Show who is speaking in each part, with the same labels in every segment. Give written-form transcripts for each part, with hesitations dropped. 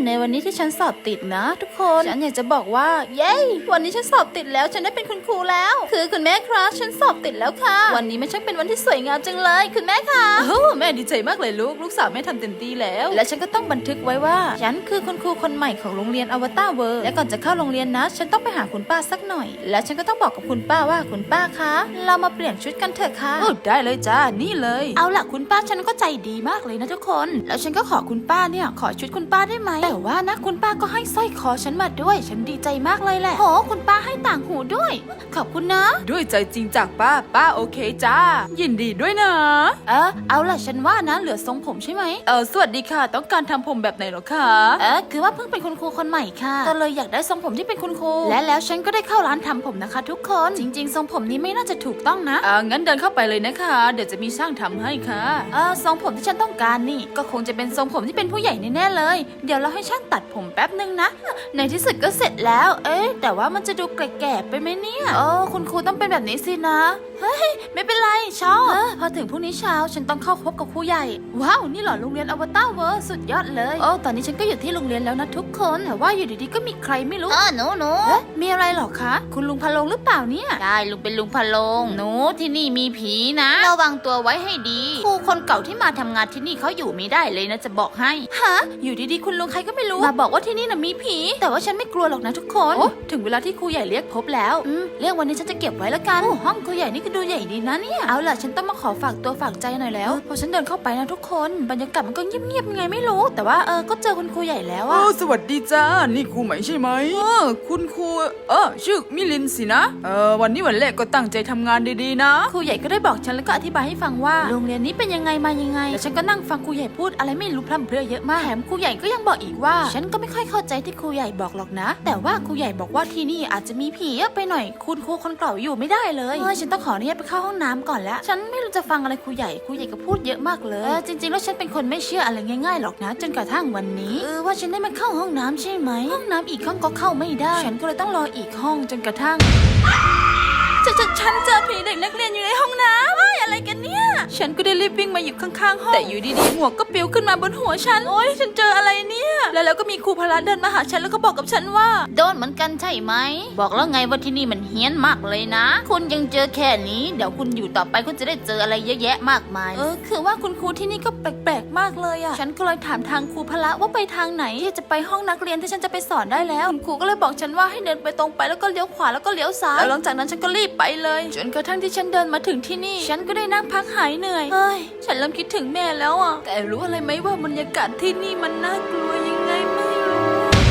Speaker 1: ในวันนี้ที่ฉันสอบติดนะทุกคนฉันอยากจะบอกว่าเย้วันนี้ฉันสอบติดแล้วฉันได้เป็นคุณครูแล้วคือคุณแม่ครับฉันสอบติดแล้วค่ะวันนี้มันช่างเป็นวันที่สวยงามจังเลยคุณแม่ค่ะโอ้แม่ดีใจมากเลยลูกสาวแม่ทำเต็มที่แล้วและฉันก็ต้องบันทึกไว้ว่าฉันคือคุณครูคนใหม่ของโรงเรียนอวตารเวิร์และก่อนจะเข้าโรงเรียนนะฉันต้องไปหาคุณป้าสักหน่อยและฉันก็ต้องบอกกับคุณป้าว่าคุณป้าคะเรามาเปลี่ยนชุดกันเถอะค่ะได้เลยจ้านี่เลยเอาล่ะคุณป้าฉันก็ใจดีมากเลยนะทุกคนแล้วฉันก็ขอคุณป้าเนี่ยขอชุดคุณป้าได้ไหมแต่ว่านะคุณป้าก็ให้สร้อยคอฉันมาด้วยฉันดีใจมากเลยแหละโหคุณป้าให้ต่างหูด้วยขอบคุณนะ
Speaker 2: ด้วยใจจริงจากป้าโอเคจ้ายินดีด้วยนะ
Speaker 1: เอาล่ะฉันว่านะเหลือทรงผมใช่ไหม
Speaker 2: สวัสดีค่ะต้องการทำผมแบบไหนหรอคะ
Speaker 1: คือว่าเพิ่งเป็นคุณครูคนใหม่ค่ะก็เลยอยากได้ทรงผมที่เป็นคุณครูและแล้วฉันก็ได้เข้าร้านทำผมนะคะทุกคนจริงๆทรงผมนี้ไม่น่าจะถูกต้องนะ
Speaker 2: งั้นเดินเข้าไปเลยนะคะเดี๋ยวจะมีช่างทำให้ค่ะ
Speaker 1: ทรงผมที่ฉันต้องการนี่ก็คงจะเป็นทรงผมที่เป็นผู้ใหญ่แน่ๆเลยเดี๋ยวเราให้ช่างตัดผมแป๊บนึงนะในที่สุดก็เสร็จแล้วแต่ว่ามันจะดูแก่ๆไปไหมเนี่ยคุณครูต้องเป็นแบบนี้สินะเฮ้ยไม่เป็นไรชอบพอถึงพรุ่งนี้เช้าฉันต้องเข้าพบกับครูใหญ่ว้าวนี่เหรอโรงเรียนอวตารเวิร์สุดยอดเลยตอนนี้ฉันก็อยู่ที่โรงเรียนแล้วนะทุกคนแต่ว่าอยู่ดีๆก็มีใครไม่รู้
Speaker 3: หนู
Speaker 1: มีอะไรหรอคะคุณลุงพะโลงหรือเปล่าเนี่ย
Speaker 3: ใช่ลุงเป็นลุงพะโลงหนูที่นี่มีผีนะระวังตัวไว้ให้ดีครูคนเก่าที่มาทำงานที่นี่เขาอยู่ไม่ได้เลยนะจะบอกให้
Speaker 1: ฮะอยู่ดีๆคุณลุงใครก็ไม่รู้มาบอกว่าที่นี่น่ะมีผีแต่ว่าฉันไม่กลัวหรอกนะทุกคนถึงเวลาที่ครูใหญ่เรียกพบแล้วเรื่องวันนี้ฉันจะเก็บไว้ละกันห้องครูใหญ่นี่ก็ดูใหญ่ดีนะเนี่ยเอาล่ะฉันต้องมาขอฝากตัวฝากใจหน่อยแล้วพอฉันเดินเข้าไปนะทุกคนบรรยากาศมันก็เงียบๆไงไม่รู้แต่ว่าก็เจอคุณครูใหญ่แล้วอะ
Speaker 2: สวัสดีจ้านี่ครูใหม่ใช่ไหมคุณครูชื่อมิลินสินะวันนี้วันแรกก็ตั้งใจทำงานดีๆนะ
Speaker 1: ครูใหญ่ก็ได้บอกฉันแล้วก็อธิบายให้ฟังว่าโรงเรียนนี้เป็นยังไงมายังไงแล้วฉันก็นั่งฟังครูใหญ่พูดอะไรไม่รู้พร่ำเพรื่อเยอะมากแถมครูใหญ่ก็ยังบอกอีกว่าฉันก็ไม่ค่อยเข้าใจที่ครูใหญ่บอกหรอกนะแต่ว่าครูใหญ่บอกว่าที่นี่อาจจะมีผีเยอะไปหน่อยคุณครูคนเก่าอยู่ไม่ได้เลยฉันต้องขออนุญาตไปเข้าห้องน้ำก่อนแล้วฉันไม่รู้จะฟังอะไรครูใหญ่ก็พูดเยอะมากเลยจริงๆแล้วฉันเป็นคนไม่เชื่ออะไรง่ายๆหรอกนะจนกระทั่งวันนี้ว่าฉันได้มาเข้าห้องน้ำใช่ไหมห้องน้ำอีกห้องก็เข้าไม่ได้ฉันก็เลยต้องรออีกห้องจนกระทั่งฉันเจอผีเด็กนักเรียนอยู่ในห้องน้ำอะไรกันเนี่ยฉันก็ได้รีบวิ่งมาอยู่ข้างๆห้องแต่อยู่ดีๆหมวกก็ปลิวขึ้นมาบนหัวฉันฉันเจออะไรเนี่ยแล้วก็มีครูพละเดินมาหาฉันแล้วก็บอกกับฉันว่า
Speaker 3: โดนเหมือนกันใช่ไหมบอกแล้วไงว่าที่นี่มันเฮี้ยนมากเลยนะคุณยังเจอแค่นี้เดี๋ยวคุณอยู่ต่อไปคุณจะได้เจออะไรเยอะแยะมากมาย
Speaker 1: คือว่าคุณครูที่นี่ก็แปลกๆมากเลยอ่ะฉันก็เลยถามทางครูพละว่าไปทางไหนที่จะไปห้องนักเรียนที่ฉันจะไปสอนได้แล้วคุณครูก็เลยบอกฉันว่าให้เดินไปตรงไปแล้วก็เลี้ยวขวาแล้วก็เลี้ยวซ้ายแล้วหลังจากนั้นฉันก็รีบไปเลยจนกระทั่งที่ฉันเดินมาถึงที่นี่ฉันก็ได้นั่งพักหายเหนื่อยฉันเริ่มคิดถึงแม่แล้วอ่ะแต่รู้อะไรไหมว่าบรรยากาศที่นี่มันน่ากลัวยังไงไม่รู้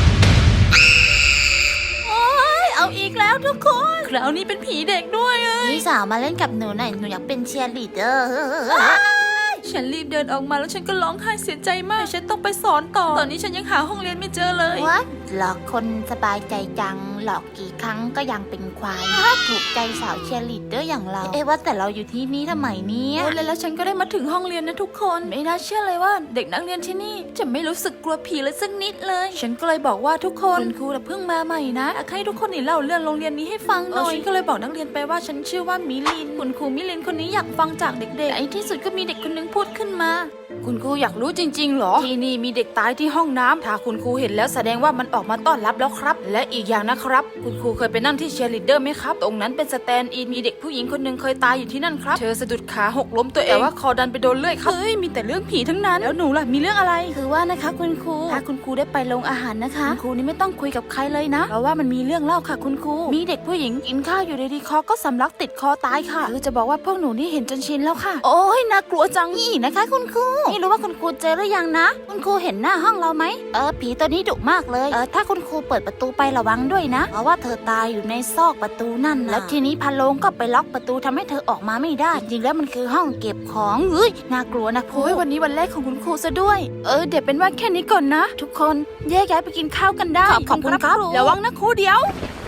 Speaker 1: เอาอีกแล้วทุกคนคราวนี้เป็นผีเด็กด้วย
Speaker 3: พี่สาวมาเล่นกับหนูหน่อยหนูอยากเป็นเชียร์ลีดเดอร์
Speaker 1: ฉันรีบเดินออกมาแล้วฉันก็ร้องไห้เสียใจมากฉันต้องไปสอนต่อตอนนี้ฉันยังหาห้องเรียนไม่เจอเลย
Speaker 3: หลอกคนสบายใจจังหลอกกี่ครั้งก็ยังเป็นควายถูกใจสาวเชียร์ลีดเดอร์อย่างเราว่าแต่เราอยู่ที่นี่ทำไมเนี่ย
Speaker 1: แล้วฉันก็ได้มาถึงห้องเรียนนะทุกคนไม่น่าเชื่อเลยว่าเด็กนักเรียนที่นี่จะไม่รู้สึกกลัวผีเลยสักนิดเลยฉันก็เลยบอกว่าทุกคนคุณครูเพิ่งมาใหม่นะให้ทุกคนนี่เล่าเรื่องโรงเรียนนี้ให้ฟังหน่อยฉันก็เลยบอกนักเรียนไปว่าฉันชื่อว่ามิลินคุณครูมิลินคนนี้อยากฟังจากเด็กๆไอ้ที่สุดก็มีเด็กคนนึงพูดขึ้นมาคุณครูอยากรู้จริงๆหรอที่นี่มีเด็กตายที่ห้องน้ำถ้าคุณครูเห็นแล้วแสดงว่ามันออกมาต้อนรับแล้วครับและอีกอย่างนะครับคุณครูเคยไปนั่งที่เชียร์ลีดเดอร์ไหมครับตรงนั้นเป็นสแตนด์อินมีเด็กผู้หญิงคนหนึ่งเคยตายอยู่ที่นั่นครับเธอสะดุดขาหกล้มตัวเองแต่ว่าคอดันไปโดนเลื่อยครับมีแต่เรื่องผีทั้งนั้นแล้วหนูล่ะมีเรื่องอะไรคือว่านะคะคุณครูถ้าคุณครูได้ไปโรงอาหารนะคะคุณครูนี่ไม่ต้องคุยกับใครเลยนะเพราะว่ามันมีเรื่องเล่าค่ะคุณครูมีเด็กผู้หญิงกินข้าวอยู่ดีๆคอก็สำลักติดคอตายค่ะคือจะบอกว่าพวกหนูนี่เห็นจนชินแล้วค่ะโอ้ยน่ากลัวจังนี่นะคะคุณครูไม่รู้ว่าคุณครูเจอหรือยังนะคุณครูเห็นหน้าห้องเราไหมผีตัวนี้ดุมากเลยถ้าคุณครูเปิดประตูไประวังด้วยนะเพราะว่าเธอตายอยู่ในซอกประตูนั่นนะแล้วทีนี้พะโลงก็ไปล็อกประตูทำให้เธอออกมาไม่ได้จริงๆแล้วมันคือห้องเก็บของน่ากลัวนะโอ้ยวันนี้วันแรกของคุณครูซะด้วยเดี๋ยวเป็นว่าแค่นี้ก่อนนะทุกคนแยกย้ายไปกินข้าวกันได้
Speaker 3: ขอบคุณครับ
Speaker 1: ระวังนะครูเดี๋ยว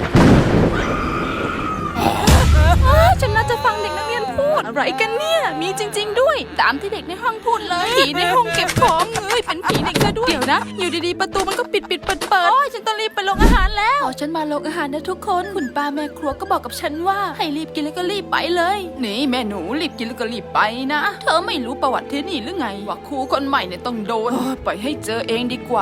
Speaker 1: ฉันน่าจะฟังเด็กนักเรียนพูดอะไรกันเนี่ยมีจริงๆด้วยตามที่เด็กในห้องพูดเลยผีในห้องเก็บของเป็นผีเด็กซะด้วยเดี๋ยวนะอยู่ดีๆประตูมันก็ปิดเปิดฉันต้องรีบไปโรงอาหารแล้วฉันมาโรงอาหารนะทุกคนคุณป้าแม่ครัวก็บอกกับฉันว่าให้รีบกินแล้วก็รีบไปเลยนี่แม่หนูรีบกินแล้วก็รีบไปนะเธอไม่รู้ประวัติที่นี่หรือไงว่าครูคนใหม่เนี่ยต้องโดนไปให้เจอเองดีกว่าไป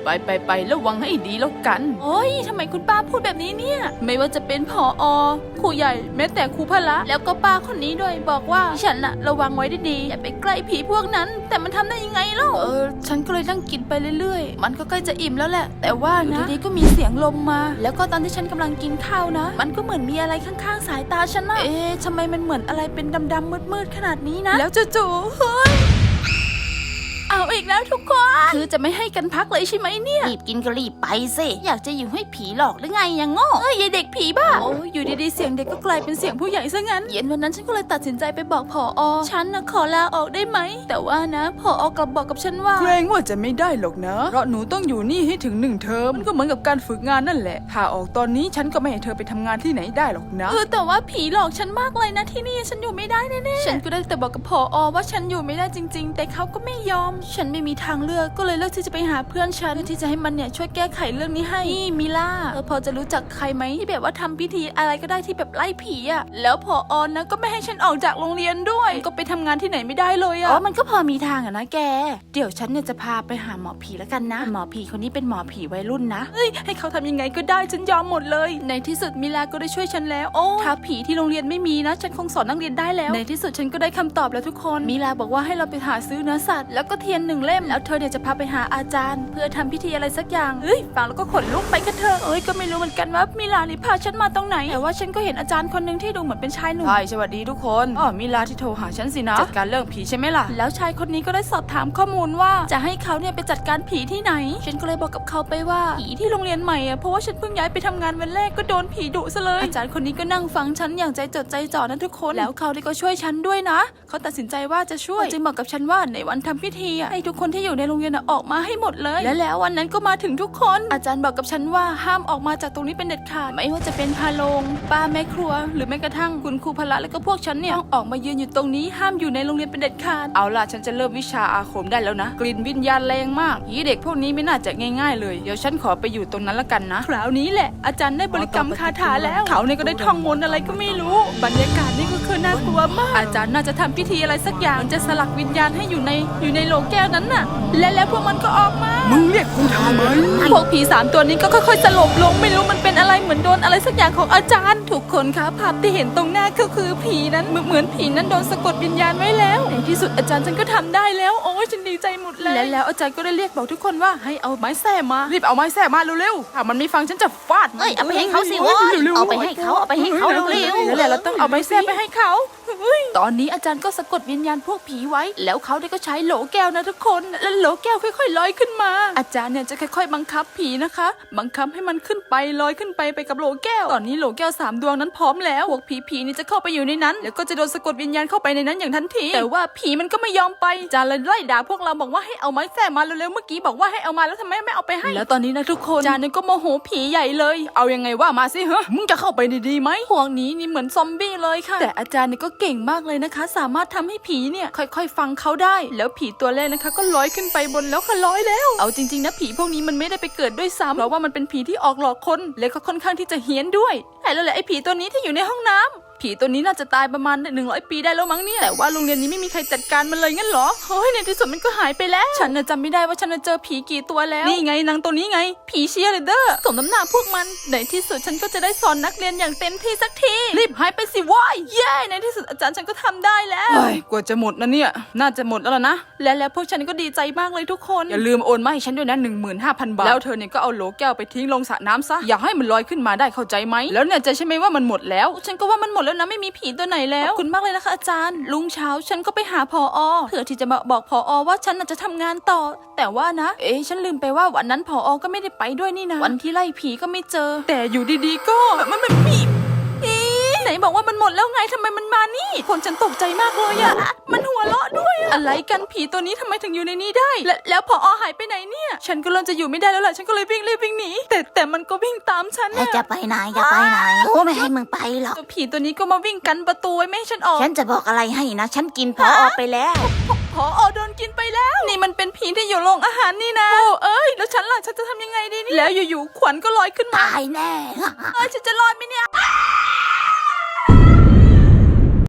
Speaker 2: ไประวังให้ดีแล้วกัน
Speaker 1: โอ้ยทำไมคุณป้าพูดแบบนี้เนี่ย ไม่ว่าจะเป็นผอ.ครูใหญ่แม้แต่ครูพละแล้วก็ป้าคนนี้ด้วยบอกว่าฉันน่ะระวังไว้ดีๆอย่าไปใกล้ผีพวกนั้น แต่มันทำได้ยังไงเล่าฉันก็เลยนั่งกินไปเรื่อยๆมันก็ใกล้จะอิ่มแล้วแหละแต่ว่านะอยู่ดีๆก็มีเสียงลมมา แล้วก็ตอนที่ฉันกำลังกินข้าวนะมันก็เหมือนมีอะไรข้างๆสายตาฉันนะทำไมมันเหมือนอะไรเป็นดำๆมืดๆขนาดนี้นะแล้วจู่ๆเฮ้ยเอาอีกแล้วทุกคนคือจะไม่ให้กันพักเลยใช่ไหมเนี่ย
Speaker 3: รีบกินก็รีบไปสิอยากจะอยู่ให้ผีหลอกหรือไงยังโง่
Speaker 1: เอ้ยยายเด็กผีบ้าโอ้ยอยู่ดีๆเสียงเด็กก็กลายเป็นเสียงผู้ใหญ่ซะงั้นเย็นวันนั้นฉันก็เลยตัดสินใจไปบอกผอ.ฉันนะขอลาออกได้ไหมแต่ว่านะผอ.กลับบอกกับฉันว่า
Speaker 2: เกรงว่าจะไม่ได้หรอกนะเพราะหนูต้องอยู่นี่ให้ถึง1 เทอมมันก็เหมือนกับการฝึกงานนั่นแหละถ้าออกตอนนี้ฉันก็ไม่ให้เธอไปทำงานที่ไหนได้หรอกนะ
Speaker 1: แต่ว่าผีหลอกฉันมากเลยนะที่นี่ฉันอยู่ไม่ได้แน่ๆฉันก็ได้แต่บอกกับผอ.ว่าฉันอยู่ไม่ได้จริงๆแต่เขาก็ไม่ยอมฉันไม่มีทางเลือกก็เลยเลือกที่จะไปหาเพื่อนฉันเพื่อที่จะให้มันเนี่ยช่วยแก้ไขเรื่องนี้ให้นี่มิล่าพอจะรู้จักใครไหมที่แบบว่าทำพิธีอะไรก็ได้ที่แบบไล่ผีอะแล้วผอ.นะก็ไม่ให้ฉันออกจากโรงเรียนด้วยก็ไปทำงานที่ไหนไม่ได้เลยอะมันก็พอมีทางอะนะแกเดี๋ยวฉันเนี่ยจะพาไปหาหมอผีแล้วกันนะหมอผีคนนี้เป็นหมอผีวัยรุ่นนะให้เขาทำยังไงก็ได้ฉันยอมหมดเลยในที่สุดมิลาก็ได้ช่วยฉันแล้วถ้าผีที่โรงเรียนไม่มีนะฉันคงสอนนักเรียนได้แล้วในที่สุดฉันก็ได้คำตอบแล้วทุกคนมิลาบอกว่าให้เราไปหาซื้อเนื้อสัตว์แล้วก็เทียน1 เล่มแล้วเธอเนี่ยจะพาไปหาอาจารย์เพื่อทำพิธีอะไรสักอย่างฟังแล้วก็ขนลุกไปกันเถอะก็ไม่รู้เหมือนกันว่ามิลานี่พาฉันมาตรงไหนแต่ว่าฉันก็เห็นอาจารย์คนหนึ่งที่ดูเหมือนเป็นชายหนุ่ม
Speaker 2: ใช่สวัสดีทุกคนมิลาที่โทรหาฉันสินะจัดการเรื่องผีใช่ไหมล่ะ
Speaker 1: แล้วชายคนนี้ก็ได้สอบถามข้อมูลว่าจะให้เขาเนี่ยไปจัดการผีที่ไหนฉันก็เลยบอกกับเขาไปว่าผีที่โรงเรียนใหม่เพราะว่าฉันเพิ่งย้ายไปทำงานวันแรกก็โดนผีดุซะเลยอาจารย์คนนี้ก็นั่งฟังฉันอย่างใจจดใจจ่อนะทุกคนแล้วเขาก็ช่วยฉันด้วยนะเขาตัดสินใจว่าจะช่วยจึงบอกกับฉันว่าในวันทำพิธีให้ทุกคนที่อยู่ในโรงเรียนออกมาให้หมดเลยและแล้ววันนั้นก็มาถึงทุกคนอาจารย์บอกกับฉันว่าห้ามออกมาจากตรงนี้เป็นเด็ดขาดไม่ว่าจะเป็นพาโรงป้าแม่ครัวหรือแม้กระทั่งคุณครูพละและก็พวกฉันเนี่ยต้องออกมายืนอยู่ตรงนี้ห้ามอยู่ในโรงเรียนเป็นเด็ดขาด
Speaker 2: เอาล่ะฉันจะเริ่มวิชาอาคมได้แล้วนะกลิ่นวิญญาณแรงมากผีเด็กพวกนี้ไม่น่าจะง่ายๆเลยเดี๋ยวฉันขอไปอยู่ตรงนั้นละกันนะ
Speaker 1: คราวนี้แหละอาจารย์ได้บริกรรมคาถาแล้วเขาเนี่ยก็ได้ท่องมนต์อะไรก็ไม่รู้บรรยากาศนี่ก็คือน่ากลัวมากอาจารย์น่าจะทำพิธีอะไรสักอย่างจะสลักวิญญาณให้อยู่ในโหลแก้วนั้นน่ะแล้วพวกมันก็ออกมา
Speaker 2: มึงเรียกกูทำไม
Speaker 1: พวกผี3 ตัวนี้ก็ค่อยๆสลบลงไม่รู้มันเป็นอะไรเหมือนโดนอะไรสักอย่างของอาจารย์ทุกคนคะภาพที่เห็นตรงหน้าก็คือผีนั้นเหมือนผีนั้นโดนสะกดวิญญาณไว้แล้วในที่สุดอาจารย์ฉันก็ทำได้แล้วโอ้ยฉันดีใจหมดเลยแล้วอาจารย์ก็ได้เรียกบอกทุกคนว่าให้เอาไม้แส้มา
Speaker 2: รีบเอาไม้แส้มาเร็วๆถ้ามันไม่ฟังฉันจะฟาด
Speaker 3: เอาไปให้เขาสิวะเอาไปให้เขาเร็ว
Speaker 1: ๆแล้วเราต้องเอาไม้แส้ไปให้เขาตอนนี้อาจารย์ก็สะกดวิญญาณพวกผีไว้แล้วเขาได้ก็ใช้โหลแก้วนะทุกคนแล้วโหลแก้วค่อยๆลอยขึ้นมาอาจารย์เนี่ยจะค่อยๆบังคับผีนะคะบังคับให้มันขึ้นไปลอยขึ้นไปกับโหลแก้วตอนนี้โหลแก้ว3 ดวงนั้นพร้อมแล้วพวกผีนี่จะเข้าไปอยู่ในนั้นแล้วก็จะโดนสะกดวิญญาณเข้าไปในนั้นอย่างทันทีแต่ว่าผีมันก็ไม่ยอมไปอาจารย์เลยไล่ด่าพวกเราบอกว่าให้เอาไม้แส้มาเร็วๆเมื่อกี้บอกว่าให้เอามาแล้วทำไมไม่เอาไปให้แล้วตอนนี้นะทุกคนอาจารย์เนี่ยก็โมโหผีใหญ่เลย
Speaker 2: เอายังไงว่ามาสิมึงจะเข้าไปดีๆไหม
Speaker 1: พวกนี้นี่เหมือนซอมบี้เลยค่ะแต่อาจารย์เนี่ยก็เก่งมากเลยนะคะสามารถทำให้ผีเนี่ยค่อยๆฟังเขาได้แล้วผีตัวแรกนะคะก็ลอยขึ้นไปบนแล้วค่ะลอยแล้วเอาจริงๆนะผีพวกนี้มันไม่ได้ไปเกิดด้วยซ้ำเพราะว่ามันเป็นผีที่ออกหลอกคนและก็ค่อนข้างที่จะเฮี้ยนด้วยแล้วแหละไอ้ผีตัวนี้ที่อยู่ในห้องน้ำผีตัวนี้น่าจะตายประมาณ100 ปีได้แล้วมั้งเนี่ยแต่ว่าโรงเรียนนี้ไม่มีใครจัดการมันเลยงั้นเหรอเฮ้ยในที่สุดมันก็หายไปแล้วฉันจำไม่ได้ว่าฉันเจอผีกี่ตัวแล้วนี่ไงนางตัวนี้ไงผีเชียร์เดอร์สมน้ำหน้าพวกมันในที่สุดฉันก็จะได้สอนนักเรียนอย่างเต็มที่สักทีรีบหายไปสิวายเย้ในที่สุดอาจารย์ฉันก็ทำได้แล้ว
Speaker 2: กว่าจะหมดนะเนี่ยน่าจะหมดแล้วนะ
Speaker 1: แล้วพวกฉันก็ดีใจมากเลยทุกคน
Speaker 2: อย่าลืมโอนมาให้ฉันด้วยนะ 15,000 บาทแล้วเธอเนี่ยก็เอาโหลแก้วไปทิ้งลงสระน้ำซะอย่าให้มันลอยขึ้นมาได้เข้าใจไหมแล้วเนี่ยจะใช่ไหมว่ามันหมดแล้ว
Speaker 1: ฉันก็ว่ามันหมดแล้วนะไม่มีผีตัวไหนแล้วขอบคุณมากเลยนะคะอาจารย์ลุงเช้าฉันก็ไปหาผอ.เพื่อที่จะมาบอกผอ.ว่าฉันจะทำงานต่อแต่ว่านะฉันลืมไปว่าวันนั้นผอ.ก็ไม่ได้ไปด้วยนี่นะวันที่ไล่ผีก็ไม่เจอ
Speaker 2: แต่อยู่ดีๆก็
Speaker 1: มันมีไหนบอกว่ามันหมดแล้วไงทำไมมันมานี่คนฉันตกใจมากเลยอะมันหัวเราะด้วยอะไรกันผีตัวนี้ทำไมถึงอยู่ในนี้ได้แล้วผอ.หายไปไหนเนี่ยฉันก็เริ่มจะอยู่ไม่ได้แล้วแหละฉันก็เลยรีบวิ่งหนีแต่มันก็วิ่งตามฉัน
Speaker 3: จะไปไหนโอ้ไม่ให้มึงไปหรอก
Speaker 1: ผีตัวนี้ก็มาวิ่งกันประตูไม่ให้ฉันออก
Speaker 3: ฉันจะบอกอะไรให้นะฉันกินผอ.ไปแล้ว
Speaker 1: ผอ.โดนกินไปแล้วนี่มันเป็นผีที่อยู่โรงอาหารนี่นะโอ้แล้วฉันล่ะฉันจะทำยังไงดีนี่แล้วอยู่ๆขวัญก็ลอยขึ้นมา
Speaker 3: ตายแน่
Speaker 1: ฉันจะรอดไหมเนี่ย